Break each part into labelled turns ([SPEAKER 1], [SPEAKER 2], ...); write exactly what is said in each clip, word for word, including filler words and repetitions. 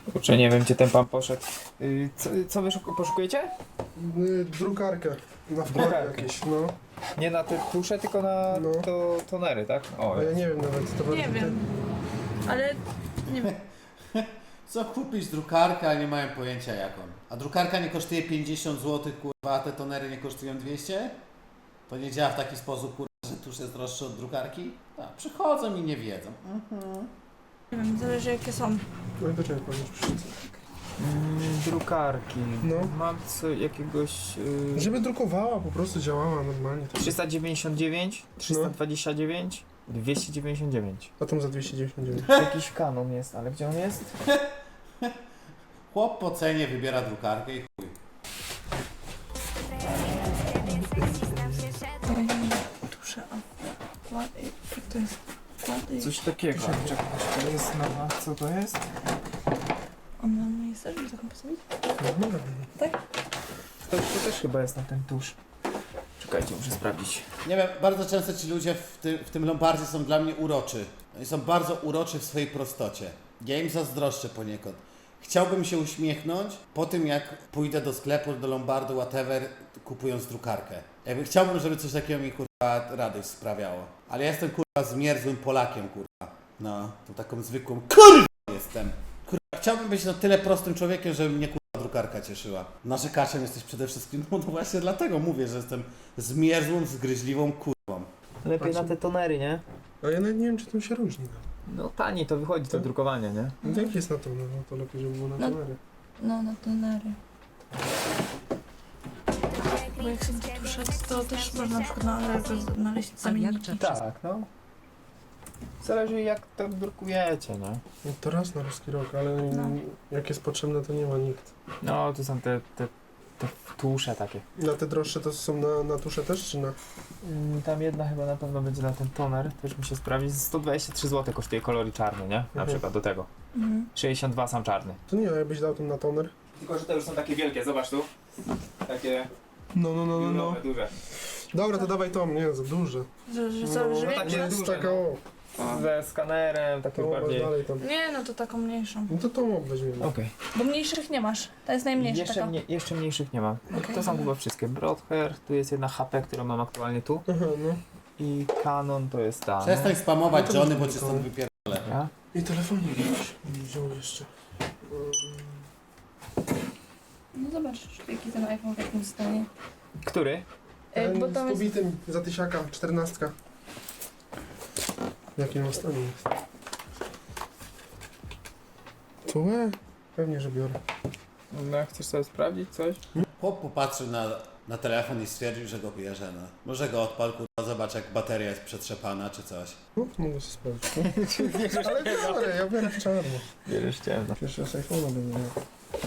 [SPEAKER 1] Kurczę, nie wiem gdzie ten pan poszedł. Yy, co, co wy szuka- poszukujecie?
[SPEAKER 2] Yy, drukarkę. Na wkład
[SPEAKER 1] Drukarkę.
[SPEAKER 2] jakieś, no.
[SPEAKER 1] Nie na te tusze, tylko na
[SPEAKER 2] No.
[SPEAKER 1] to, tonery, tak? O,
[SPEAKER 2] A ja nie wiem nawet, to
[SPEAKER 3] Nie
[SPEAKER 2] bardzo
[SPEAKER 3] wiem. Ale nie wiem.
[SPEAKER 4] Co kupić drukarkę, a nie mają pojęcia jaką. A drukarka nie kosztuje pięćdziesiąt złotych, kurwa, a te tonery nie kosztują dwieście? To nie działa w taki sposób, kurwa, że tusz jest droższy od drukarki? A, przychodzą i nie wiedzą. Mhm.
[SPEAKER 3] Nie wiem, zależy jakie są.
[SPEAKER 2] No i do czego powiedzieć przyszedł?
[SPEAKER 1] Mm, drukarki.
[SPEAKER 2] No.
[SPEAKER 1] Mam co jakiegoś... Yy,
[SPEAKER 2] Żeby drukowała, po prostu działała normalnie. Tak.
[SPEAKER 1] trzysta dziewięćdziesiąt dziewięć, trzysta dwadzieścia dziewięć, dwieście dziewięćdziesiąt dziewięć.
[SPEAKER 2] A tam za dwieście dziewięćdziesiąt dziewięć.
[SPEAKER 1] Jakiś kanon jest, ale gdzie on jest?
[SPEAKER 4] Chłop po cenie wybiera drukarkę i chuj.
[SPEAKER 3] Tusze, a wkłady, jak to jest? Wkłady.
[SPEAKER 1] Coś takiego. Czekaj, to jest nowa. Co to jest?
[SPEAKER 3] Ona nie jest też, żeby taką postawić?
[SPEAKER 2] No,
[SPEAKER 3] Tak?
[SPEAKER 1] To, to też chyba jest na ten tusz. Czekajcie, muszę sprawdzić.
[SPEAKER 4] Nie wiem, bardzo często ci ludzie w, ty, w tym lombardzie są dla mnie uroczy. Oni są bardzo uroczy w swojej prostocie. Ja im zazdroszczę poniekąd. Chciałbym się uśmiechnąć po tym, jak pójdę do sklepu, do lombardu, whatever, kupując drukarkę. Jakby chciałbym, żeby coś takiego mi, kurwa, radość sprawiało. Ale ja jestem, kurwa, zmierzłym Polakiem, kurwa. No, tą taką zwykłą, kurwa jestem. Kurwa, chciałbym być na tyle prostym człowiekiem, żeby mnie, kurwa, drukarka cieszyła. Narzekaczem jesteś przede wszystkim, no, no właśnie dlatego mówię, że jestem zmierzłą, zgryźliwą, kurwą.
[SPEAKER 1] Lepiej na te tonery, nie?
[SPEAKER 2] A ja nawet nie wiem, czy to się różni.
[SPEAKER 1] No taniej to wychodzi, to drukowanie, nie?
[SPEAKER 2] No. Jak jest na to? No, no to lepiej, żeby było na
[SPEAKER 3] No.
[SPEAKER 2] kamerę.
[SPEAKER 3] No, na tonery. Bo jak są te tusze, to też można na przykład na Allegro znaleźć zamienniki.
[SPEAKER 1] Tak, no. Zależy jak to drukujecie, nie?
[SPEAKER 2] No to raz na ruski rok, ale
[SPEAKER 3] No.
[SPEAKER 2] jak jest potrzebne, to nie ma nikt.
[SPEAKER 1] No, tu są te, te, te tusze takie.
[SPEAKER 2] Na te droższe to są na, na tusze też, czy na...
[SPEAKER 1] Mm, Tam jedna chyba na pewno będzie na ten toner, też muszę sprawdzić. sto dwadzieścia trzy złote kosztuje kolory czarny, nie? Na
[SPEAKER 2] Mhm.
[SPEAKER 1] przykład do tego.
[SPEAKER 3] Mhm.
[SPEAKER 1] sześćdziesiąt dwa sam czarny.
[SPEAKER 2] To nie, jakbyś dał tam na toner.
[SPEAKER 1] Tylko, że te już są takie wielkie, zobacz tu. Takie
[SPEAKER 2] No, no, no, no, no.
[SPEAKER 1] biurowe, duże.
[SPEAKER 2] Dobra, to dawaj to, nie, za duże.
[SPEAKER 3] Że, że
[SPEAKER 2] No,
[SPEAKER 3] zależy
[SPEAKER 1] no
[SPEAKER 3] jak
[SPEAKER 1] takie
[SPEAKER 2] jest
[SPEAKER 1] duże,
[SPEAKER 2] taka,
[SPEAKER 1] no.
[SPEAKER 2] o,
[SPEAKER 1] Ze skanerem, takie
[SPEAKER 2] to masz
[SPEAKER 1] bardziej...
[SPEAKER 2] dalej tam.
[SPEAKER 3] Nie, no to taką mniejszą.
[SPEAKER 2] No to tą weźmiemy.
[SPEAKER 1] Okej.
[SPEAKER 3] Bo mniejszych nie masz. Ta jest najmniejsza
[SPEAKER 1] Jeszcze,
[SPEAKER 3] taka.
[SPEAKER 1] mnie, jeszcze mniejszych nie ma.
[SPEAKER 3] Okej.
[SPEAKER 1] To są chyba wszystkie. Broadhair, tu jest jedna H P, którą mam aktualnie tu.
[SPEAKER 2] Aha, no.
[SPEAKER 1] I Canon to jest ta.
[SPEAKER 4] Przestań spamować
[SPEAKER 2] No to
[SPEAKER 4] Johnny,
[SPEAKER 2] będzie
[SPEAKER 4] bo cię
[SPEAKER 2] to.
[SPEAKER 4] stąd wypierdolę.
[SPEAKER 1] Ja?
[SPEAKER 2] I telefonik jakiś wziął jeszcze.
[SPEAKER 3] No zobacz, jaki ten iPhone w jakim stanie.
[SPEAKER 1] Który?
[SPEAKER 3] E, bo
[SPEAKER 2] Ten
[SPEAKER 3] tam
[SPEAKER 2] z
[SPEAKER 3] jest...
[SPEAKER 2] pobitym za tysiaka, czternastka. W jakim on stanie jest? To łe? Pewnie, że biorę.
[SPEAKER 1] No, chcesz sobie sprawdzić coś?
[SPEAKER 4] Chłop popatrzył na, na telefon i stwierdził, że go bierze. No. Może go odpal, kurwa, zobacz jak bateria jest przetrzepana czy coś.
[SPEAKER 2] No, mogę sobie sprawdzić. No. Ale biorę, ja biorę w czarno.
[SPEAKER 1] Bierzesz ciemno.
[SPEAKER 2] Pierwszy z iPhone'a będę miał.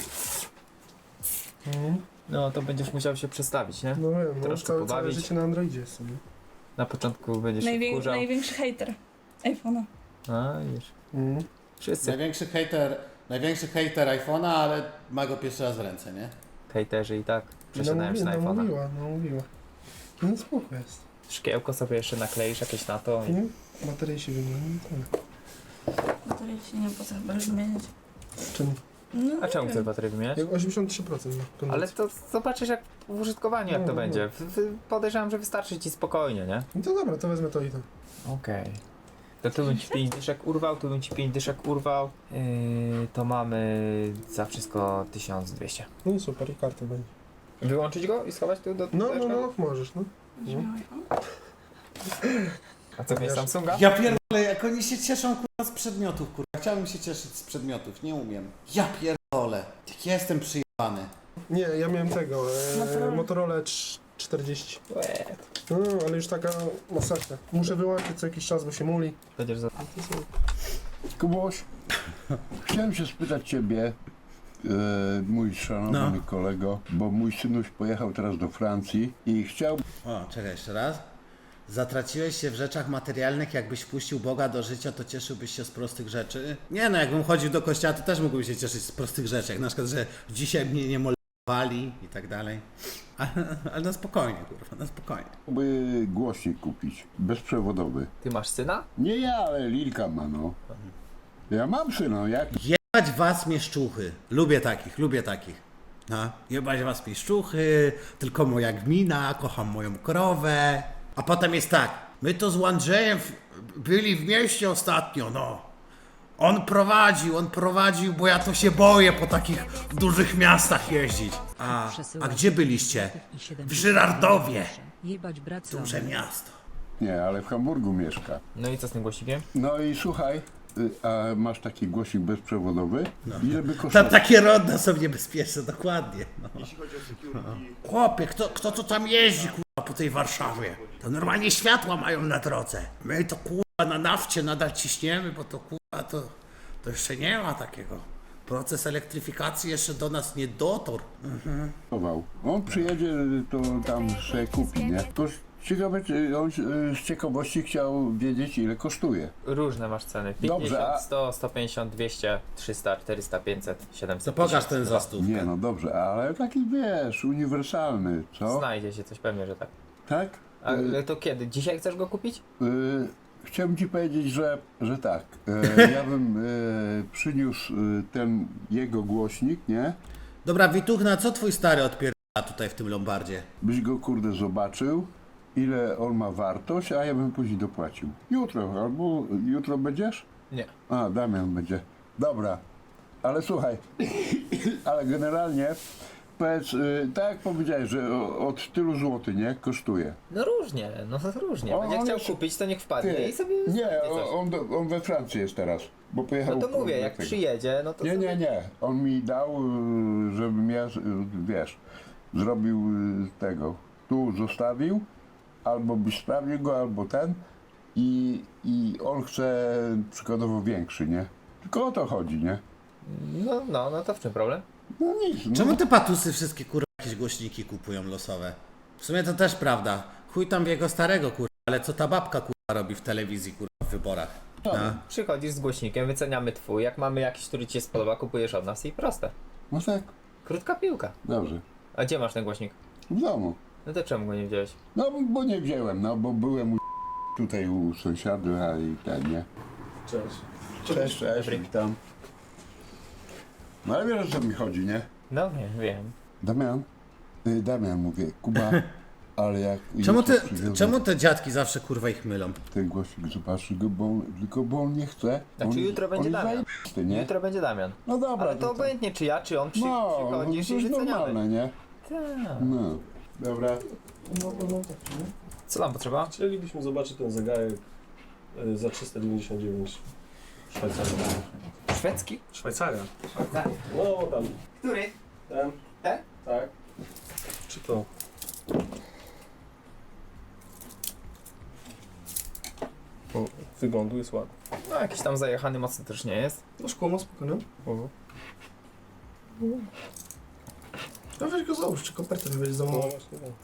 [SPEAKER 2] Mhm.
[SPEAKER 1] No to będziesz musiał się przestawić, nie?
[SPEAKER 2] No wiem, no,
[SPEAKER 1] Troszkę
[SPEAKER 2] całe, całe
[SPEAKER 1] pobawić.
[SPEAKER 2] życie na Androidzie jest sobie.
[SPEAKER 1] Na początku będziesz się
[SPEAKER 3] Najwię...
[SPEAKER 1] wkurzał.
[SPEAKER 3] Największy hater iPhone'a.
[SPEAKER 1] A, już.
[SPEAKER 2] Mhm.
[SPEAKER 1] Wszyscy
[SPEAKER 4] Największy hater, największy hater iPhone'a, ale ma go pierwszy raz w ręce, nie?
[SPEAKER 1] hejterzy i tak przesiadają się na
[SPEAKER 2] Namówi-
[SPEAKER 1] iPhone'a.
[SPEAKER 2] Namówiła, namówiła. No spoko jest.
[SPEAKER 1] Szkiełko sobie jeszcze nakleisz jakieś na to i...
[SPEAKER 2] Mhm. Baterie się wymieni. Tak.
[SPEAKER 3] Baterii się nie opłaca chyba już wymieniać.
[SPEAKER 2] Czemu?
[SPEAKER 3] No,
[SPEAKER 1] A czemu
[SPEAKER 3] nie
[SPEAKER 1] chcesz
[SPEAKER 3] wiem.
[SPEAKER 1] baterię wymieniać?
[SPEAKER 2] Jak osiemdziesiąt trzy procent ma kondycji.
[SPEAKER 1] Ale to zobaczysz jak w użytkowaniu jak
[SPEAKER 2] No,
[SPEAKER 1] to
[SPEAKER 2] no.
[SPEAKER 1] będzie. W- w- Podejrzewam, że wystarczy ci spokojnie, nie?
[SPEAKER 2] No to dobra, to wezmę to i to.
[SPEAKER 1] Okej. To tu bym ci pięć dyszek urwał, tu bym ci pięć dyszek urwał. Yy, to mamy za wszystko tysiąc dwieście.
[SPEAKER 2] No super, i kartę będzie.
[SPEAKER 1] Wyłączyć go i schować tu do...
[SPEAKER 2] No,
[SPEAKER 1] do
[SPEAKER 2] no, no, możesz, no.
[SPEAKER 3] Będziesz miał iPhone?
[SPEAKER 1] A co, miałeś Samsunga?
[SPEAKER 4] Ja pierdolę, jak oni się cieszą, kurwa, z przedmiotów, kurwa. Chciałbym się cieszyć z przedmiotów, nie umiem. Ja pierdolę, jak ja jestem przyjebany.
[SPEAKER 2] Nie, ja miałem tego, e,
[SPEAKER 3] Motorola.
[SPEAKER 2] Motorola trz- czterdzieści.
[SPEAKER 1] Łe,
[SPEAKER 2] No, ale już taka masakra. Muszę wyłączyć co jakiś czas, bo się muli.
[SPEAKER 1] Będziesz za...
[SPEAKER 5] Kubuś, chciałem się spytać Ciebie, e, mój szanowny
[SPEAKER 4] No.
[SPEAKER 5] kolego, bo mój synuś pojechał teraz do Francji i chciał...
[SPEAKER 4] O, czekaj jeszcze raz. Zatraciłeś się w rzeczach materialnych, jakbyś wpuścił Boga do życia, to cieszyłbyś się z prostych rzeczy? Nie no, jakbym chodził do kościoła, to też mógłbym się cieszyć z prostych rzeczy, jak na przykład, że dzisiaj mnie nie molestowali i tak dalej. Ale, ale na spokojnie, kurwa, na spokojnie.
[SPEAKER 5] by głośnik kupić, bezprzewodowy.
[SPEAKER 1] Ty masz syna?
[SPEAKER 5] Nie ja, ale Lilka ma, no. Ja mam syna, jak...
[SPEAKER 4] Jebać was mieszczuchy. Lubię takich, lubię takich. No, jebać was mieszczuchy, tylko moja gmina, kocham moją krowę. A potem jest tak, my to z Andrzejem w- byli w mieście ostatnio, no. On prowadził, on prowadził, bo ja to się boję po takich dużych miastach jeździć. A, a gdzie byliście? W Żyrardowie.
[SPEAKER 6] Jebać brat
[SPEAKER 4] Duże miasto.
[SPEAKER 5] Nie, ale w Hamburgu mieszka.
[SPEAKER 1] No i co z tym głosikiem?
[SPEAKER 5] No i słuchaj, y, a masz taki głosik bezprzewodowy? Ile by
[SPEAKER 4] Tam
[SPEAKER 5] kosztował?
[SPEAKER 4] takie ronda są niebezpieczne, dokładnie. No. Chłopie, kto, kto to tam jeździ, kurwa, po tej Warszawie? To normalnie światła mają na drodze. My to, kurwa, na nafcie nadal ciśniemy, bo to, kurwa, to, to jeszcze nie ma takiego. Proces elektryfikacji jeszcze do nas nie dotarł.
[SPEAKER 5] On przyjedzie, to tam sobie kupi, nie? To ciekawe, czy on y, z ciekawości chciał wiedzieć, ile kosztuje.
[SPEAKER 1] Różne masz ceny.
[SPEAKER 5] Dobrze,
[SPEAKER 1] pięćdziesiąt,
[SPEAKER 5] a-
[SPEAKER 1] sto, sto pięćdziesiąt, dwieście, trzysta, czterysta, pięćset, siedemset.
[SPEAKER 4] To pokaż
[SPEAKER 1] tysiąc.
[SPEAKER 4] ten za stówkę.
[SPEAKER 5] Nie, no dobrze, ale taki wiesz, uniwersalny, co?
[SPEAKER 1] Znajdzie się coś pewnie, że tak.
[SPEAKER 5] Tak?
[SPEAKER 1] Ale
[SPEAKER 5] Y,
[SPEAKER 1] to kiedy? Dzisiaj chcesz go kupić?
[SPEAKER 5] y, chciałbym ci powiedzieć, że, że tak. Y, ja bym y, przyniósł y, ten jego głośnik, nie?
[SPEAKER 4] Dobra, Wituchna, co twój stary odpierdala tutaj w tym Lombardzie?
[SPEAKER 5] Byś go kurde zobaczył, ile on ma wartość, a ja bym później dopłacił. Jutro, albo jutro będziesz?
[SPEAKER 1] Nie.
[SPEAKER 5] A, Damian będzie. Dobra, ale słuchaj, ale generalnie powiedz, y, tak jak powiedziałeś, że o- od tylu złotych, nie, kosztuje.
[SPEAKER 1] No różnie, no różnie.
[SPEAKER 5] O,
[SPEAKER 1] Będzie
[SPEAKER 5] on
[SPEAKER 1] chciał
[SPEAKER 5] już-
[SPEAKER 1] kupić, to niech wpadnie
[SPEAKER 5] Ty,
[SPEAKER 1] i sobie
[SPEAKER 5] nie,
[SPEAKER 1] znajdzie coś.
[SPEAKER 5] on, on, do- on we Francji jest teraz, bo pojechał...
[SPEAKER 1] No to mówię,
[SPEAKER 5] kurde,
[SPEAKER 1] jak
[SPEAKER 5] tego.
[SPEAKER 1] przyjedzie, no to
[SPEAKER 5] Nie,
[SPEAKER 1] sobie...
[SPEAKER 5] nie, nie, on mi dał, y, żebym ja, y, wiesz, zrobił y, tego, tu zostawił, albo byś sprawił go, albo ten i, i on chce przykładowo większy, nie? Tylko o to chodzi, nie?
[SPEAKER 1] No, no, no to w czym problem?
[SPEAKER 5] No nic, no.
[SPEAKER 4] Czemu te patusy wszystkie, kurwa, jakieś głośniki kupują losowe? W sumie to też prawda. Chuj tam w jego starego, kurwa, ale co ta babka, kurwa, robi w telewizji, kurwa, w wyborach? No.
[SPEAKER 1] Przychodzisz z głośnikiem, wyceniamy twój, jak mamy jakiś, który ci się spodoba, kupujesz od nas i proste.
[SPEAKER 5] No tak,
[SPEAKER 1] Krótka piłka.
[SPEAKER 5] dobrze,
[SPEAKER 1] A gdzie masz ten głośnik?
[SPEAKER 5] w domu.
[SPEAKER 1] No to czemu go nie wziąłeś?
[SPEAKER 5] No bo nie wziąłem, no bo byłem u tutaj u sąsiada, a i ten, nie?
[SPEAKER 2] Cześć.
[SPEAKER 5] Cześć, cześć,
[SPEAKER 1] Dobry.
[SPEAKER 5] witam. No ale wiesz, o co mi chodzi, nie?
[SPEAKER 1] No nie, wiem.
[SPEAKER 5] Damian, y, Damian mówię, Kuba, ale jak...
[SPEAKER 4] Czemu te,
[SPEAKER 5] jutro przywiozę
[SPEAKER 4] czemu te dziadki zawsze, kurwa, ich mylą?
[SPEAKER 5] ten głosik, zobaczy go, bo on, tylko bo on nie chce.
[SPEAKER 1] Znaczy
[SPEAKER 5] on,
[SPEAKER 1] jutro będzie
[SPEAKER 5] on jest
[SPEAKER 1] Damian.
[SPEAKER 5] zajebisty, nie?
[SPEAKER 1] Jutro będzie Damian.
[SPEAKER 5] No dobra,
[SPEAKER 1] Ale to
[SPEAKER 5] to-
[SPEAKER 1] obojętnie czy ja, czy on przy,
[SPEAKER 5] No,
[SPEAKER 1] przychodzisz
[SPEAKER 5] to
[SPEAKER 1] i
[SPEAKER 5] jest
[SPEAKER 1] wyceniamy.
[SPEAKER 5] normalne, nie?
[SPEAKER 1] Tak.
[SPEAKER 5] No, dobra.
[SPEAKER 2] No, no, no, tak, nie?
[SPEAKER 1] Co tam potrzeba?
[SPEAKER 2] Chcielibyśmy zobaczyć ten zegarek y, za trzysta dziewięćdziesiąt dziewięć Szwajcaria.
[SPEAKER 1] Szwedzki?
[SPEAKER 2] Szwajcaria?
[SPEAKER 1] Tak.
[SPEAKER 2] No tam,
[SPEAKER 1] Który?
[SPEAKER 2] ten,
[SPEAKER 1] Ten?
[SPEAKER 2] tak. Czy to? O, wyglądu jest ładny.
[SPEAKER 1] No jakiś tam zajechany mocno też nie jest.
[SPEAKER 2] No szkło ma spokojnie.
[SPEAKER 1] Mhm.
[SPEAKER 2] No weź go załóż, czy kopertę nie będzie za
[SPEAKER 7] No
[SPEAKER 2] mało.
[SPEAKER 7] właśnie, tak.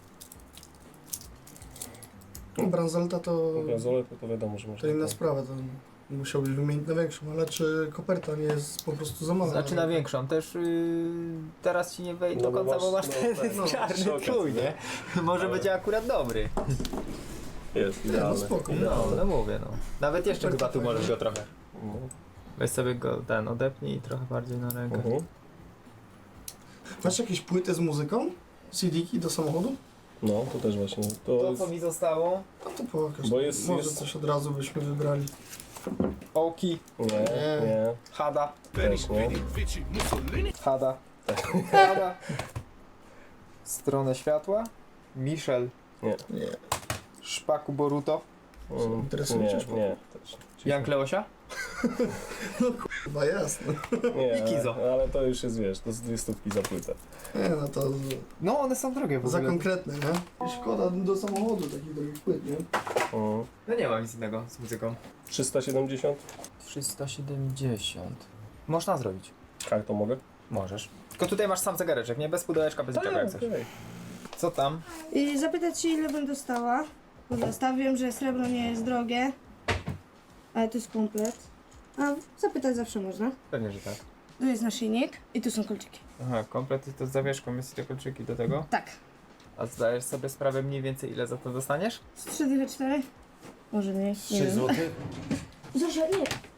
[SPEAKER 2] No, bransoleta to,
[SPEAKER 7] Bransolę to, to wiadomo, że
[SPEAKER 2] to
[SPEAKER 7] można.
[SPEAKER 2] inna sprawa, to musiałbyś wymienić na większą, ale czy koperta nie jest po prostu za mała?
[SPEAKER 1] Znaczy na większą też yy, teraz ci nie wejdzie
[SPEAKER 7] No
[SPEAKER 1] do
[SPEAKER 7] bo
[SPEAKER 1] końca, bo masz
[SPEAKER 7] masz-
[SPEAKER 1] ten
[SPEAKER 7] no tak,
[SPEAKER 2] no,
[SPEAKER 1] czarny
[SPEAKER 7] przy okazji,
[SPEAKER 1] trój, nie? Może
[SPEAKER 7] Ale-
[SPEAKER 1] będzie akurat dobry.
[SPEAKER 7] Jest,
[SPEAKER 2] Nie, no
[SPEAKER 7] idealne.
[SPEAKER 2] spoko.
[SPEAKER 1] No, no mówię, no. Nawet jeszcze chyba tu możesz go trochę.
[SPEAKER 7] No.
[SPEAKER 1] Weź sobie go ten odepnij i trochę bardziej na rękę.
[SPEAKER 7] Mhm.
[SPEAKER 2] Masz jakieś płyty z muzyką? C D-ki do samochodu?
[SPEAKER 7] No, to też właśnie. To
[SPEAKER 1] To
[SPEAKER 7] jest...
[SPEAKER 1] co mi zostało?
[SPEAKER 2] No to pokaż.
[SPEAKER 7] Bo jest-
[SPEAKER 2] Może
[SPEAKER 7] jest-
[SPEAKER 2] coś od razu byśmy wybrali.
[SPEAKER 1] Oki,
[SPEAKER 7] Nie,
[SPEAKER 2] Nie.
[SPEAKER 7] nie,
[SPEAKER 1] Hada,
[SPEAKER 7] też nie.
[SPEAKER 1] Hada, Hada. Stronę światła, Michel,
[SPEAKER 7] Nie.
[SPEAKER 2] Nie.
[SPEAKER 1] Szpaku Boruto,
[SPEAKER 7] Mm,
[SPEAKER 2] Interesuje
[SPEAKER 7] nie,
[SPEAKER 2] cię szpoko?
[SPEAKER 7] nie, też.
[SPEAKER 1] Jan Kleosia.
[SPEAKER 2] Chyba jasne.
[SPEAKER 7] Nie,
[SPEAKER 1] I Kizo.
[SPEAKER 7] ale, ale to już jest, wiesz, to jest dwie stówki za płytę.
[SPEAKER 2] Nie, no to
[SPEAKER 1] No one są drogie w
[SPEAKER 2] za
[SPEAKER 1] ogóle.
[SPEAKER 2] konkretne, nie? Szkoda do samochodu takich drogich płyt, nie?
[SPEAKER 7] Mm.
[SPEAKER 1] No nie mam nic innego z muzyką.
[SPEAKER 7] trzysta siedemdziesiąt?
[SPEAKER 1] trzysta siedemdziesiąt. Można zrobić.
[SPEAKER 7] Kartą mogę?
[SPEAKER 1] Możesz. Tylko tutaj masz sam zegareczek, nie? Bez pudełeczka, bez niczego jak chcesz.
[SPEAKER 7] okej.
[SPEAKER 1] Co tam?
[SPEAKER 8] I zapytać się, ile bym dostała. Bo zostawiam, że srebro nie jest drogie, ale to jest komplet. A zapytać zawsze można.
[SPEAKER 1] Pewnie, że tak.
[SPEAKER 8] Tu jest naszyjnik i tu są kolczyki.
[SPEAKER 1] Aha, komplet to z zawieszką jest i te kolczyki do tego.
[SPEAKER 8] Tak.
[SPEAKER 1] A zdajesz sobie sprawę mniej więcej ile za to dostaniesz?
[SPEAKER 8] Z trzy dychy cztery? Może mniej, nie
[SPEAKER 4] trzy
[SPEAKER 8] wiem.
[SPEAKER 4] złote?
[SPEAKER 8] Zosia, nie.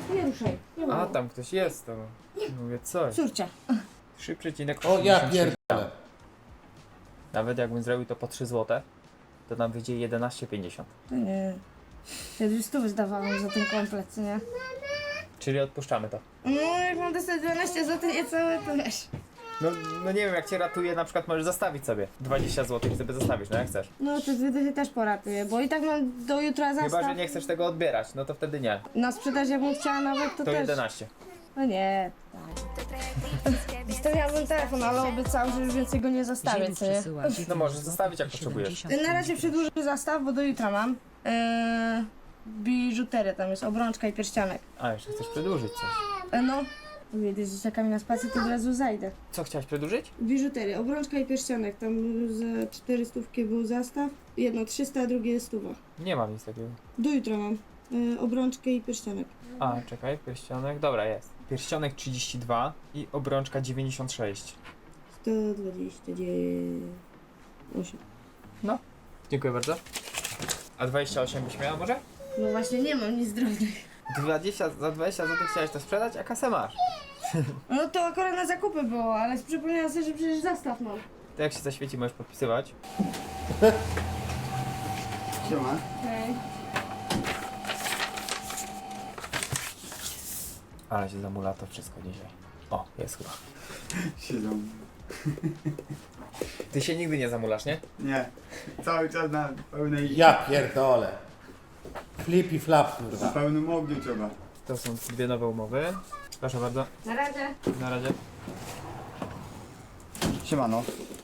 [SPEAKER 8] Nie ruszaj. Nie
[SPEAKER 1] A,
[SPEAKER 8] ma.
[SPEAKER 1] tam ktoś jest, to mówię coś.
[SPEAKER 8] Córcia.
[SPEAKER 1] trzy przecinek
[SPEAKER 4] O ja
[SPEAKER 1] osiemdziesiąt sześć.
[SPEAKER 4] pierdolę.
[SPEAKER 1] Nawet jakbym zrobił to po trzy złote, to nam wyjdzie jedenaście pięćdziesiąt.
[SPEAKER 8] To nie. Ja dwie stówy zdawałam za ten komplet, co nie?
[SPEAKER 1] Czyli odpuszczamy to.
[SPEAKER 8] No jak mam dostać dwanaście złotych niecałe, to wiesz.
[SPEAKER 1] No, no nie wiem, jak cię ratuje, na przykład możesz zostawić sobie dwadzieścia złotych i sobie zostawisz, no jak chcesz.
[SPEAKER 8] No to wtedy się też poratuję, bo i tak mam do jutra zastaw.
[SPEAKER 1] Chyba, że nie chcesz tego odbierać, no to wtedy nie.
[SPEAKER 8] Na sprzedaż jakbym chciała nawet, to,
[SPEAKER 1] To
[SPEAKER 8] też.
[SPEAKER 1] jedenaście.
[SPEAKER 8] No nie. Zostawiałabym telefon, ale obiecał, że już więcej go nie zostawię, co nie?
[SPEAKER 1] No możesz zostawić, jak potrzebujesz.
[SPEAKER 8] Na razie przedłużę zastaw, bo do jutra mam. Eee, biżuterię tam jest, obrączka i pierścionek.
[SPEAKER 1] A, jeszcze chcesz przedłużyć coś.
[SPEAKER 8] E, no. Wiedzieć, że czeka mi na spacer, to od razu zajdę.
[SPEAKER 1] Co, chciałeś przedłużyć?
[SPEAKER 8] Biżuterię, obrączka i pierścionek. Tam za cztery stówki był zastaw. Jedno trzysta, a drugie stuwa.
[SPEAKER 1] Nie mam nic takiego.
[SPEAKER 8] Do jutra mam. E, obrączkę i pierścionek.
[SPEAKER 1] A, czekaj, pierścionek, dobra, jest. Pierścionek trzydzieści dwa i obrączka dziewięćdziesiąt sześć.
[SPEAKER 8] sto dwadzieścia osiem.
[SPEAKER 1] Dziękuję bardzo. A dwadzieścia osiem byś miała może?
[SPEAKER 8] No właśnie nie mam nic drobnych.
[SPEAKER 1] dwadzieścia, za dwadzieścia złotych chciałeś to sprzedać, a kasę masz.
[SPEAKER 8] No to akurat na zakupy było, ale przypomniałam sobie, że przecież zastaw mam.
[SPEAKER 1] To jak się zaświeci, możesz podpisywać.
[SPEAKER 4] Siema.
[SPEAKER 8] Hej.
[SPEAKER 1] Ale się zamula to wszystko dzisiaj. O, jest chyba.
[SPEAKER 6] Siedzą.
[SPEAKER 1] Ty się nigdy nie zamulasz, nie?
[SPEAKER 6] Nie. Cały czas na pełnej...
[SPEAKER 4] Ja pierdolę. Flip i flap,
[SPEAKER 6] Na
[SPEAKER 4] kurwa.
[SPEAKER 6] pełnym ogniu trzeba.
[SPEAKER 1] To są dwie nowe umowy. Proszę bardzo,
[SPEAKER 8] Na razie.
[SPEAKER 1] na razie.
[SPEAKER 6] Siemano.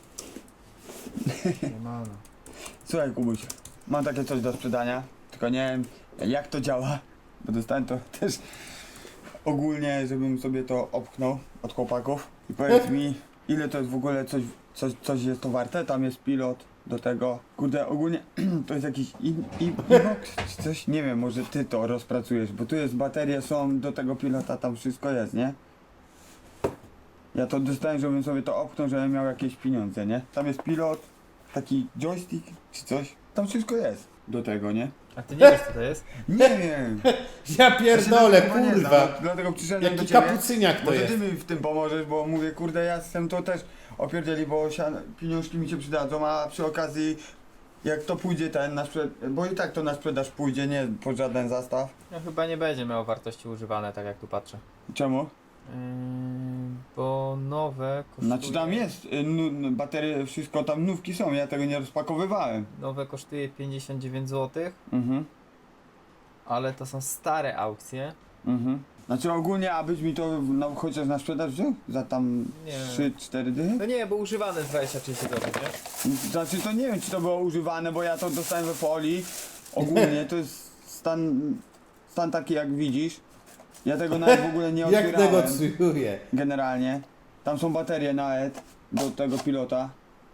[SPEAKER 1] Siemano.
[SPEAKER 6] Słuchaj Kubuś, mam takie coś do sprzedania, tylko nie wiem jak to działa, bo dostałem to też ogólnie, żebym sobie to opchnął od chłopaków. I powiedz mi, ile to jest w ogóle coś, coś, coś jest to warte? Tam jest pilot do tego. Kurde, ogólnie to jest jakiś in, in, inox czy coś? Nie wiem, może ty to rozpracujesz, bo tu jest baterie, są do tego pilota, tam wszystko jest, nie? Ja to dostałem, żebym sobie to opchnął, żebym miał jakieś pieniądze, nie? Tam jest pilot, taki joystick czy coś. Tam wszystko jest do tego, nie?
[SPEAKER 1] A ty nie wiesz, co to jest?
[SPEAKER 6] Nie wiem.
[SPEAKER 4] Ja pierdolę,
[SPEAKER 6] Ja się na tym chyba nie znam,
[SPEAKER 4] kurwa.
[SPEAKER 6] dlatego przyszedłem do
[SPEAKER 4] Jaki
[SPEAKER 6] ciebie.
[SPEAKER 4] kapucyniak to
[SPEAKER 6] Może
[SPEAKER 4] jest.
[SPEAKER 6] ty mi w tym pomożesz, bo mówię, kurde, ja jestem to też opierdzieli, bo sian- pieniążki mi się przydadzą, a przy okazji jak to pójdzie ten na sprzedaż, bo i tak to na sprzedaż pójdzie, nie po żaden zastaw.
[SPEAKER 1] No chyba nie będzie miało wartości używane, tak jak tu patrzę.
[SPEAKER 6] Czemu?
[SPEAKER 1] Yy, bo nowe kosztuje...
[SPEAKER 6] Znaczy tam jest, y, nu, nu, baterie, wszystko tam nówki są, ja tego nie rozpakowywałem.
[SPEAKER 1] Nowe kosztuje pięćdziesiąt dziewięć złotych,
[SPEAKER 6] Mhm,
[SPEAKER 1] ale to są stare aukcje.
[SPEAKER 6] mhm. Znaczy ogólnie, abyś mi to no, chociaż na sprzedaż wziął? Za tam
[SPEAKER 1] Nie.
[SPEAKER 6] trzy cztery dychy?
[SPEAKER 1] No nie, bo używane dwadzieścia trzydzieści złotych, nie?
[SPEAKER 6] Znaczy to nie wiem, czy to było używane, bo ja to dostałem we folii. Ogólnie to jest stan, stan taki jak widzisz. Ja tego nawet w ogóle nie
[SPEAKER 4] Jak
[SPEAKER 6] otwierałem.
[SPEAKER 4] negocjuje.
[SPEAKER 6] Generalnie. Tam są baterie nawet do tego pilota.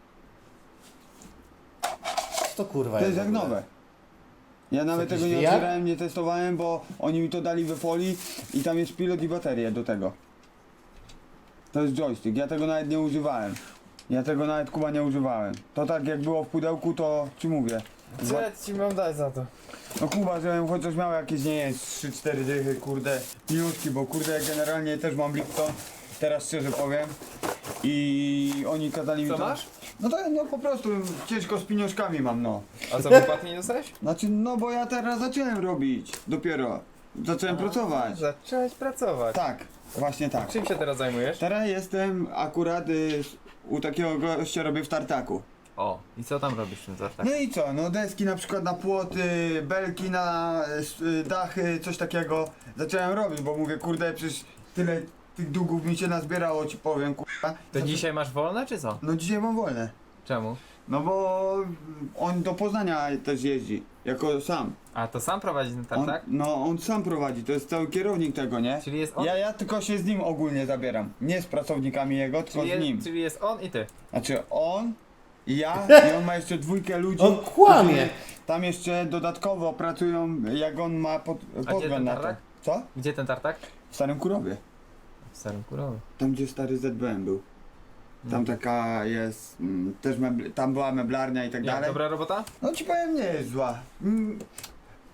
[SPEAKER 4] Co to kurwa
[SPEAKER 6] To jest
[SPEAKER 4] w
[SPEAKER 6] jak
[SPEAKER 4] ogóle?
[SPEAKER 6] nowe. Ja nawet
[SPEAKER 4] jakiś
[SPEAKER 6] tego nie
[SPEAKER 4] V R?
[SPEAKER 6] otwierałem, nie testowałem, bo oni mi to dali we folii i tam jest pilot i baterie do tego. To jest joystick, ja tego nawet nie używałem. Ja tego nawet Kuba nie używałem. To tak jak było w pudełku, to ci mówię.
[SPEAKER 1] Co ja ci mam dać za to?
[SPEAKER 6] No Kuba, żebym chociaż miał jakieś, nie wiem, trzy cztery dychy, kurde, minutki, bo kurde, generalnie też mam Lipton, teraz szczerze powiem. I oni kazali mi
[SPEAKER 1] Co
[SPEAKER 6] to...
[SPEAKER 1] masz?
[SPEAKER 6] No to no po prostu ciężko z pieniążkami mam, no.
[SPEAKER 1] A co, wypłaty nie dostałeś?
[SPEAKER 6] Znaczy, no bo ja teraz zacząłem robić, dopiero. Zacząłem pracować.
[SPEAKER 1] Zacząłeś pracować.
[SPEAKER 6] Tak, właśnie tak.
[SPEAKER 1] Czym się teraz zajmujesz?
[SPEAKER 6] Teraz jestem akurat y, u takiego gościa, robię w tartaku.
[SPEAKER 1] O, i co tam robisz w tym tartak?
[SPEAKER 6] No i co, no deski na przykład na płoty, belki na y, dachy, coś takiego zacząłem robić, bo mówię, kurde, przecież tyle tych długów mi się nazbierało, ci powiem, kurwa.
[SPEAKER 1] To dzisiaj masz wolne, czy co?
[SPEAKER 6] No dzisiaj mam wolne.
[SPEAKER 1] Czemu?
[SPEAKER 6] No bo on do Poznania też jeździ, jako sam.
[SPEAKER 1] A to sam prowadzi ten
[SPEAKER 6] On,
[SPEAKER 1] tartak?
[SPEAKER 6] no on sam prowadzi, to jest cały kierownik tego, nie?
[SPEAKER 1] Czyli jest on,
[SPEAKER 6] Ja, ja tylko się z nim ogólnie zabieram, nie z pracownikami jego, tylko
[SPEAKER 1] czyli,
[SPEAKER 6] z nim.
[SPEAKER 1] jest, czyli jest on i ty.
[SPEAKER 6] Znaczy on, ja i on ma jeszcze dwójkę ludzi.
[SPEAKER 4] On kłamie.
[SPEAKER 6] którzy Tam jeszcze dodatkowo pracują, jak on ma pod,
[SPEAKER 1] gdzie
[SPEAKER 6] podgląd
[SPEAKER 1] ten
[SPEAKER 6] na to.
[SPEAKER 1] tartak?
[SPEAKER 6] Co?
[SPEAKER 1] Gdzie ten tartak?
[SPEAKER 6] W Starym Kurowie.
[SPEAKER 1] W Starym Kurowie.
[SPEAKER 6] Tam gdzie stary Z B M był. Tam taka jest, mm, też mebl, tam była meblarnia i tak
[SPEAKER 1] Jak,
[SPEAKER 6] dalej.
[SPEAKER 1] dobra robota?
[SPEAKER 6] No ci powiem, nie jest zła. Mm,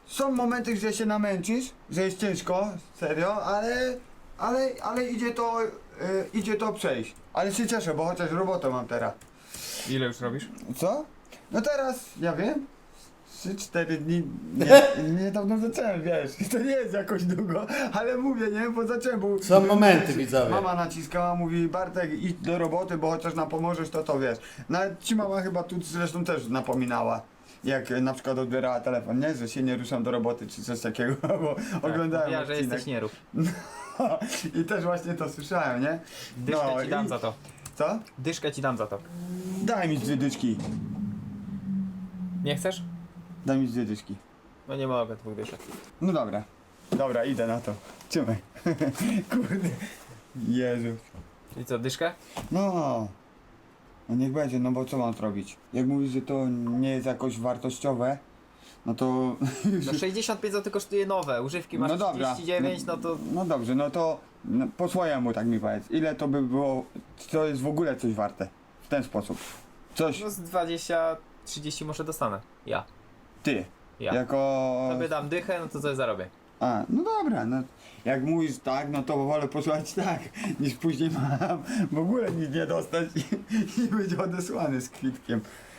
[SPEAKER 6] są momenty, że się namęczysz, że jest ciężko, serio, ale, ale, ale idzie to, y, idzie to przejść. Ale się cieszę, bo chociaż robotę mam teraz.
[SPEAKER 1] Ile już robisz?
[SPEAKER 6] Co? No teraz, ja wiem, trzy cztery dni, nie, niedawno zacząłem, wiesz, to nie jest jakoś długo, ale mówię, nie, bo zacząłem, bo...
[SPEAKER 4] Są momenty, widzowie.
[SPEAKER 6] Mama naciskała, mówi, Bartek, idź do roboty, bo chociaż nam pomożesz, to to wiesz. Nawet ci mama chyba tu zresztą też napominała, jak e, na przykład odbierała telefon, nie, że się nie ruszam do roboty, czy coś takiego, bo oglądałem
[SPEAKER 1] Ja, że
[SPEAKER 6] odcinek.
[SPEAKER 1] jesteś nierób.
[SPEAKER 6] I też właśnie to słyszałem, nie?
[SPEAKER 1] Dyszkę
[SPEAKER 6] No
[SPEAKER 1] ci dam
[SPEAKER 6] i-
[SPEAKER 1] za to.
[SPEAKER 6] Co?
[SPEAKER 1] Dyszkę ci dam za to.
[SPEAKER 6] Daj mi dwie dyczki,
[SPEAKER 1] Nie chcesz?
[SPEAKER 6] daj mi dwie dyczki.
[SPEAKER 1] No nie mogę dwóch dyszek.
[SPEAKER 6] No dobra. Dobra, idę na to. Trzymaj. Kurde. Jezu.
[SPEAKER 1] I co, dyszkę?
[SPEAKER 6] No. No niech będzie, no bo co mam zrobić? Jak mówisz, że to nie jest jakoś wartościowe, no to...
[SPEAKER 1] No sześćdziesiąt pięć złotych kosztuje nowe, używki masz
[SPEAKER 6] No dobra.
[SPEAKER 1] trzydzieści dziewięć, no to...
[SPEAKER 6] No dobrze, no to no, po swojemu tak mi powiedz. Ile to by było, to jest w ogóle coś warte? W ten sposób. Coś,
[SPEAKER 1] No z dwadzieścia trzydzieści może dostanę. Ja.
[SPEAKER 6] ty.
[SPEAKER 1] Ja.
[SPEAKER 6] Jako...
[SPEAKER 1] Tobie dam dychę, no to coś zarobię.
[SPEAKER 6] A, no dobra, no jak mówisz tak, no to wolę posłać tak, niż później mam w ogóle nic nie dostać i, i być odesłany z kwitkiem.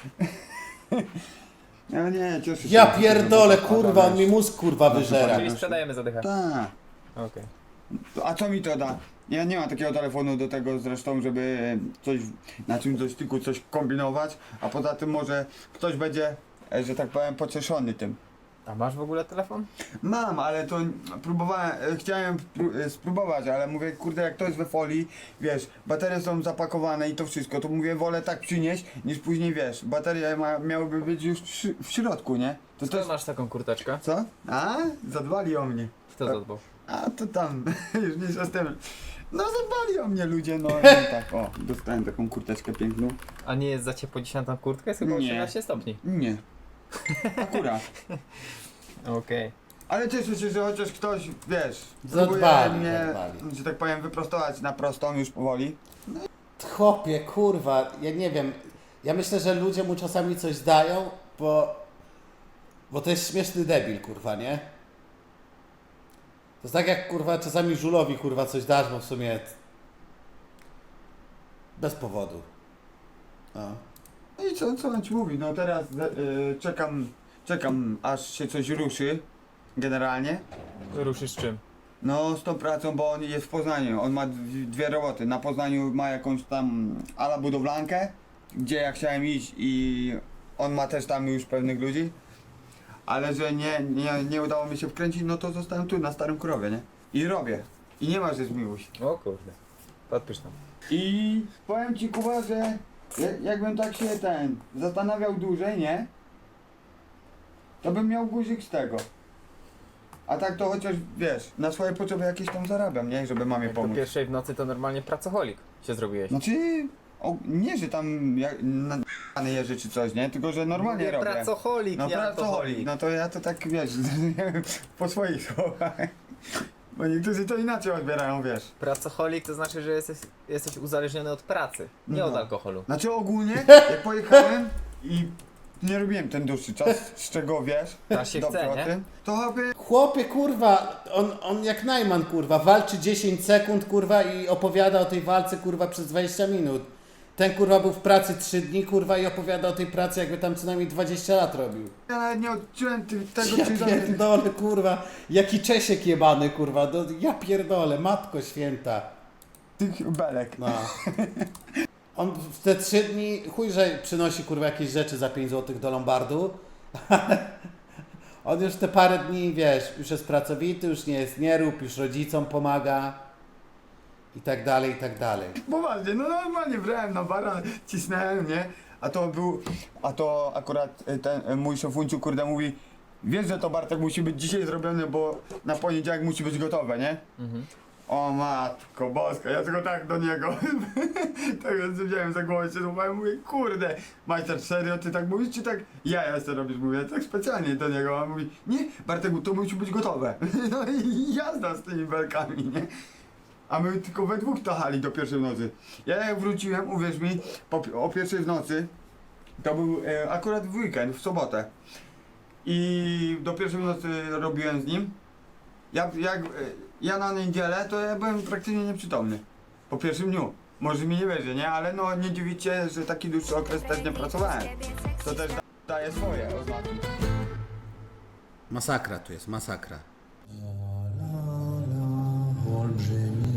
[SPEAKER 6] No nie, cieszę się.
[SPEAKER 4] Ja pierdolę, kurwa, on mi mózg kurwa wyżera.
[SPEAKER 1] Czyli sprzedajemy za dychę.
[SPEAKER 6] Tak.
[SPEAKER 1] Okej.
[SPEAKER 6] A co mi to da? Ja nie mam takiego telefonu do tego zresztą, żeby coś na czymś dotyku coś kombinować, a poza tym może ktoś będzie, e, że tak powiem, pocieszony tym.
[SPEAKER 1] A masz w ogóle telefon?
[SPEAKER 6] Mam, ale to próbowałem, e, chciałem pró- e, spróbować, ale mówię, kurde, jak to jest we folii, wiesz, baterie są zapakowane i to wszystko, to mówię, wolę tak przynieść, niż później, wiesz, baterie ma, miałyby być już w, szy- w środku, nie? To
[SPEAKER 1] Skąd
[SPEAKER 6] też...
[SPEAKER 1] masz taką kurteczkę?
[SPEAKER 6] Co? A? Zadbali o mnie.
[SPEAKER 1] Kto zadbał?
[SPEAKER 6] A, to tam, już nie z tym. No zadbali o mnie ludzie, no i tak, o, dostałem taką kurteczkę piękną.
[SPEAKER 1] A nie jest za ciepło dzisiaj na tą kurtkę? Jest chyba
[SPEAKER 6] Nie.
[SPEAKER 1] osiemnaście stopni.
[SPEAKER 6] Nie. Akurat.
[SPEAKER 1] Okej.
[SPEAKER 6] Ale cieszę się, że chociaż ktoś, wiesz,
[SPEAKER 4] Zadbali,
[SPEAKER 6] próbuje mnie,
[SPEAKER 4] zadbali.
[SPEAKER 6] że tak powiem, wyprostować na prostą już powoli.
[SPEAKER 4] Chłopie, kurwa, ja nie wiem. Ja myślę, że ludzie mu czasami coś dają, bo... Bo to jest śmieszny debil, kurwa, nie? To jest tak jak, kurwa, czasami żulowi, kurwa, coś dasz, bo w sumie... Bez powodu. No.
[SPEAKER 6] No i co, co on ci mówi, no teraz y, czekam, czekam aż się coś ruszy, generalnie.
[SPEAKER 1] Ruszysz czym?
[SPEAKER 6] No z tą pracą, bo on jest w Poznaniu, on ma dwie, dwie roboty. Na Poznaniu ma jakąś tam ala budowlankę, gdzie ja chciałem iść i on ma też tam już pewnych ludzi. Ale że nie, nie, nie udało mi się wkręcić, no to zostałem tu na Starym Krowie, nie? I robię. I nie ma, że zmiłuj się.
[SPEAKER 1] O kurde. Podpisz tam.
[SPEAKER 6] I powiem ci, Kuba, że ja- jakbym tak się ten zastanawiał dłużej, nie? To bym miał guzik z tego. A tak to chociaż, wiesz, na swoje potrzeby jakieś tam zarabiam, nie? Żeby mamie
[SPEAKER 1] Jak po
[SPEAKER 6] pomóc.
[SPEAKER 1] pierwszej w nocy to normalnie pracoholik się zrobiłeś.
[SPEAKER 6] Znaczy, o, nie, że tam jak, na, na jeży czy coś, nie? Tylko, że normalnie
[SPEAKER 1] Mówię,
[SPEAKER 6] robię.
[SPEAKER 1] pracoholik,
[SPEAKER 6] No
[SPEAKER 1] nie
[SPEAKER 6] pracoholik,
[SPEAKER 1] alkoholik.
[SPEAKER 6] no to ja to tak, wiesz, po swoich słowach. Bo niektórzy to inaczej odbierają, wiesz.
[SPEAKER 1] Pracoholik to znaczy, że jesteś, jesteś uzależniony od pracy, nie
[SPEAKER 6] No.
[SPEAKER 1] od alkoholu.
[SPEAKER 6] Znaczy ogólnie, jak pojechałem i nie robiłem ten dłuższy czas, z czego wiesz,
[SPEAKER 1] Teraz się
[SPEAKER 6] dobrze
[SPEAKER 1] chce,
[SPEAKER 6] o
[SPEAKER 1] nie?
[SPEAKER 6] tym, to chyba
[SPEAKER 4] Chłopie, kurwa, on, on jak Najman, kurwa, walczy dziesięć sekund, kurwa, i opowiada o tej walce, kurwa, przez dwadzieścia minut. Ten, kurwa, był w pracy trzy dni, kurwa, i opowiada o tej pracy, jakby tam co najmniej dwadzieścia lat robił.
[SPEAKER 6] ja nawet nie odczułem ty, tego,
[SPEAKER 4] Ja
[SPEAKER 6] czy za
[SPEAKER 4] pierdolę, kurwa, jaki Czesiek jebany, kurwa, do, ja pierdolę, matko święta.
[SPEAKER 6] tych belek.
[SPEAKER 4] No. On w te trzy dni, chuj, że przynosi, kurwa, jakieś rzeczy za pięć złotych do Lombardu. On już te parę dni, wiesz, już jest pracowity, już nie jest nierób, już rodzicom pomaga. I tak dalej, i tak dalej.
[SPEAKER 6] Poważnie, no normalnie brałem na bara, cisnąłem, nie? A to był, a to akurat y, ten y, mój szefunciu, kurde, mówi, wiesz, że to Bartek musi być dzisiaj zrobione, bo na poniedziałek musi być gotowe, nie?
[SPEAKER 1] Mhm.
[SPEAKER 6] O matko boska, ja tylko tak do niego, tak więc wziąłem za głowę, się złapałem, mówię, kurde, majster, serio, ty tak mówisz, czy tak ja jeszcze robisz, mówię, tak specjalnie do niego, a on mówi, nie, Bartek, to musi być gotowe. No i jazda z tymi belkami, nie? A my tylko we dwóch tachali do pierwszej w nocy. Ja jak wróciłem, uwierz mi, po, o pierwszej w nocy, to był e, akurat w weekend, w sobotę. i do pierwszej nocy robiłem z nim. Jak, jak ja na niedzielę, to ja byłem praktycznie nieprzytomny. Po pierwszym dniu. Może mi nie wierzy, nie? Ale no nie dziwicie, że taki dłuższy okres też nie pracowałem. To też da, daje swoje oznaki.
[SPEAKER 4] Masakra tu jest, masakra.
[SPEAKER 9] Olbrzymi